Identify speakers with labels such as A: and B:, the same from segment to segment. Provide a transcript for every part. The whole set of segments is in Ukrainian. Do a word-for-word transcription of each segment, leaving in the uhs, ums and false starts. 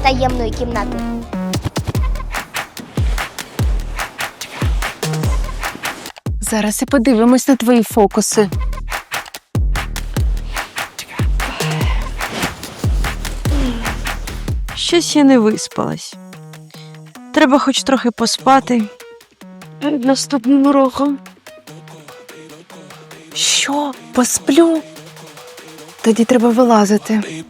A: таємної кімнати.
B: Зараз і подивимось на твої фокуси.
C: Щось я не виспалась. Треба хоч трохи поспати перед наступним уроком.
B: Що? Посплю? Тоді треба вилазити.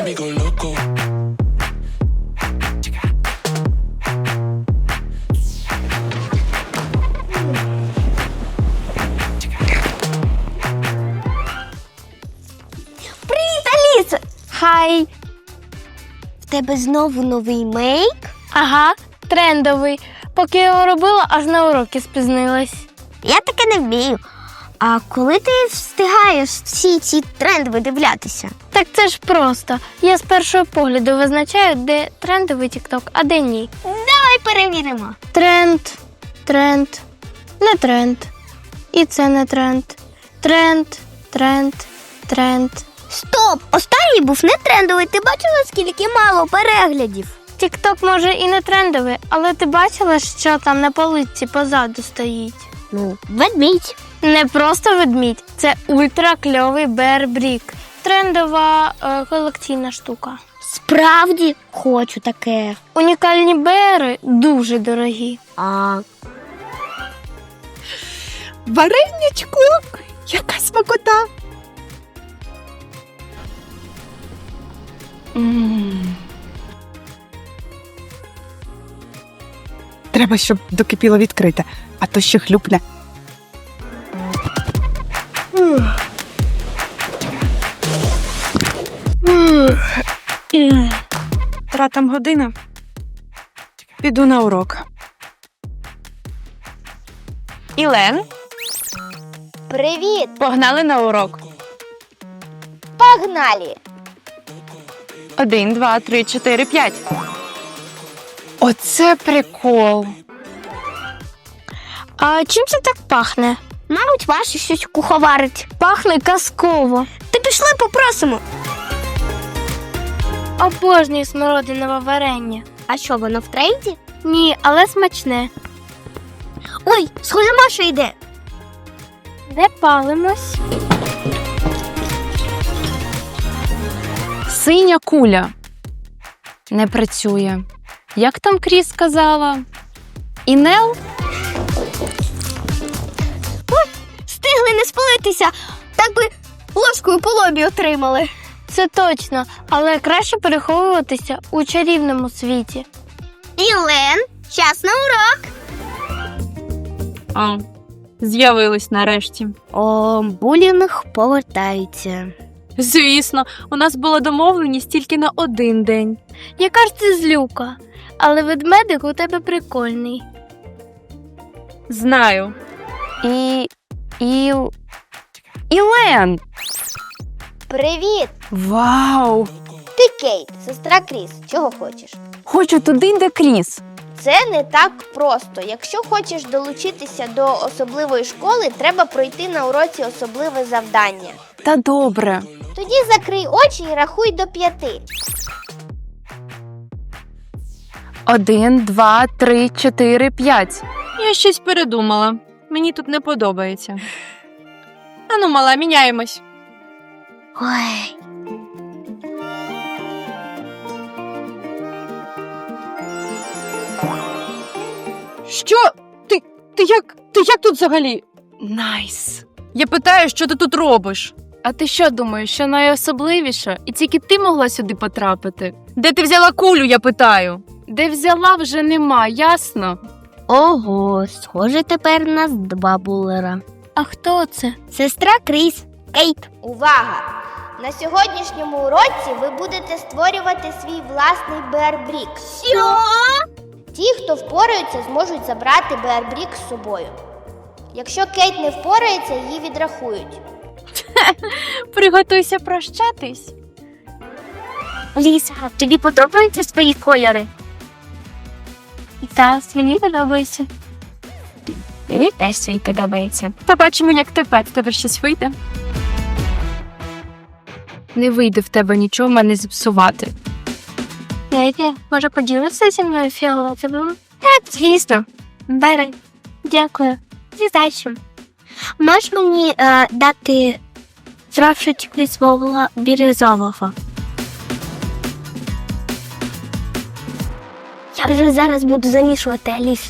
A: Привіт, Аліса! Хай! В тебе знову новий мейк?
D: Ага, трендовий. Поки я його робила, аж на уроки спізнилась.
A: Я таке не вмію. А коли ти встигаєш всі ці тренди видивлятися?
D: Так це ж просто. Я з першого погляду визначаю, де трендовий тік-ток, а де ні.
A: Давай перевіримо.
D: Тренд, тренд, не тренд. І це не тренд. Тренд, тренд, тренд.
A: Стоп! Останній був не трендовий. Ти бачила, скільки мало переглядів?
D: Тік-ток може і не трендовий, але ти бачила, що там на полиці позаду стоїть?
A: Ну, ведмідь.
D: Не просто ведмідь, це ультракльовий Bear Brick. Трендова е, колекційна штука.
A: Справді хочу таке.
D: Унікальні беери дуже дорогі.
A: А
B: Вареничку! Яка смакота! М. Треба, щоб докипіло відкрите, а то ще хлюпне.
C: Тратам година. Піду на урок. Ілен,
A: привіт!
C: погнали на урок.
A: Погнали!
C: Один, два, три, чотири, п'ять.
B: Оце прикол.
D: А чим це так пахне?
A: Мабуть, Маша щось куховарить.
D: Пахне казково.
A: Ти пішли попросимо.
D: Обожнюю смородинове варення.
A: А що, воно в тренді?
D: Ні, але смачне.
A: Ой, схоже, Маша йде.
D: Не палимось.
B: Синя куля. Не працює. Як там Кріс сказала? Інел?
A: Встигли не спалитися. Так би ложкою по лобі отримали.
D: Це точно, але краще переховуватися у чарівному світі.
A: Ілен, час на урок.
C: А, з'явились нарешті.
A: О, булінг повертається.
C: Звісно, у нас була домовленість тільки на один день.
D: Яка ж ти злюка, але ведмедик у тебе прикольний.
C: Знаю.
B: І... Іл... Ілен!
A: Привіт!
B: Вау!
A: Ти Кейт, сестра Кріс. Чого хочеш?
B: Хочу туди, де Кріс.
A: Це не так просто. Якщо хочеш долучитися до особливої школи, треба пройти на уроці особливе завдання.
B: Та добре.
A: Тоді закрий очі і рахуй до п'яти.
B: Один, два, три, чотири, п'ять.
C: Я щось передумала. Мені тут не подобається. Ану, мала, міняємось.
A: Ой.
C: Що? Ти, ти як, ти як тут взагалі?
B: Найс.
C: Я питаю, що ти тут робиш?
B: А ти що думаєш, що найособливіше? І тільки ти могла сюди потрапити?
C: Де ти взяла кулю, я питаю?
B: Де взяла, вже нема, ясно?
A: Ого, схоже, тепер у нас два булера.
D: А хто це?
A: Сестра Кріс, Кейт. Увага! На сьогоднішньому уроці ви будете створювати свій власний Bear Brick. Що? Ті, хто впораються, зможуть забрати Bear Brick з собою. Якщо Кейт не впорається, її відрахують.
C: Приготуйся прощатись.
D: Ліса, тобі подобаються свої кольори? Так, мені подобається. Мені теж свій подобається.
C: Побачимо, як тепер в тебе щось вийде.
B: Не вийде в тебе нічого мене зіпсувати.
D: Знаєте, може поділитися зі мною фіолетовим? Так, звісно. Бери. Дякую. Зі здачем. Можеш мені е, дати трошечки свого бірюзового? Я вже зараз буду замішувати, Аліс.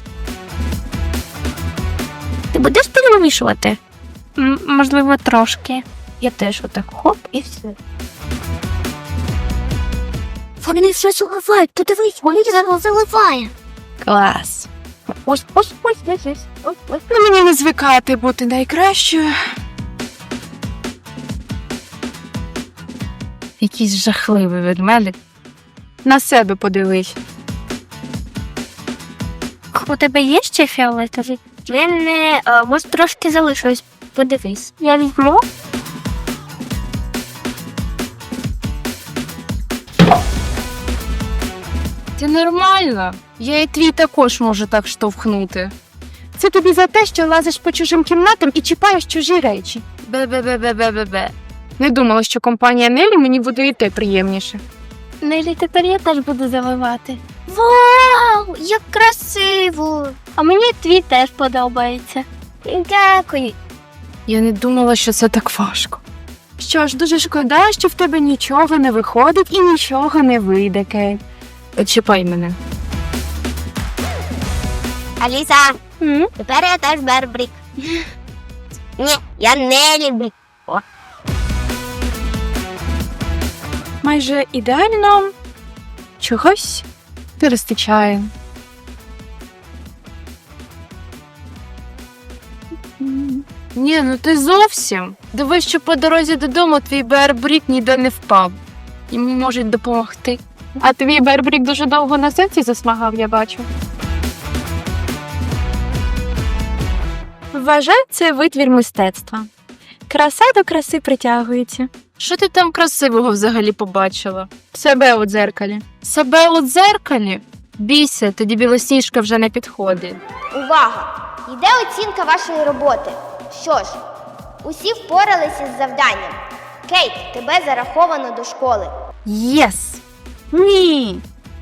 D: Ти будеш перемішувати? М- можливо, трошки. Я теж отак хоп і все. Вони все заливають, подивись, вони зараз заливає.
B: Клас.
D: Ось, ось, ось, ось, ось, ось, ось.
B: Ну мені не звикати бути найкращою. Якийсь жахливий ведмедик. На себе подивись.
D: У тебе є ще фіолетовий? В мене, е, може, трошки залишилось. Подивись. Я візьму.
B: Це нормально. Я і твій також можу так штовхнути. Це тобі за те, що лазиш по чужим кімнатам і чіпаєш чужі речі. Бе-бе-бе-бе-бе-бе. Не думала, що компанія Нелі мені буде йти приємніше.
D: Нелі, тепер я теж буду заливати. Вау, як красиво! А мені твій теж подобається. Дякую.
B: Я не думала, що це так важко. Що ж, дуже шкода, що в тебе нічого не виходить і нічого не вийде, Кейт. Чіпай мене.
A: Аліса,
D: М?
A: тепер я теж Бербрік. Ні, я не люблю.
B: Майже ідеально чогось не вистачає. Ні, ну ти зовсім. Дивись, що по дорозі додому твій Бербрік ніде не впав. Йому можуть допомогти. А твій Бербрік дуже довго на сенсі засмагав, я бачу.
C: Вважаю, це витвір мистецтва. Краса до краси притягується.
B: Що ти там красивого взагалі побачила? Себе у дзеркалі. Себе у дзеркалі? Бійся, тоді білосніжка вже не підходить.
A: Увага! Йде оцінка вашої роботи. Що ж, усі впоралися з завданням. Кейт, тебе зараховано до школи.
C: Єс! Ні!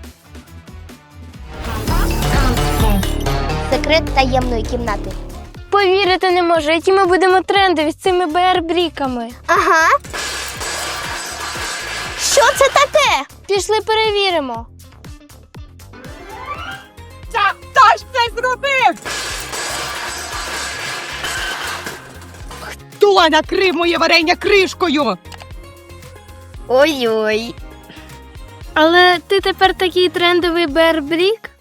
A: Секрет таємної кімнати.
D: Повірити не можу, які ми будемо трендові з цими БР-бріками.
A: Ага. Що це таке?
D: Пішли перевіримо.
E: Хто накрив моє варення кришкою?
A: Ой-ой.
D: Але ти тепер такий трендовий БР-брік?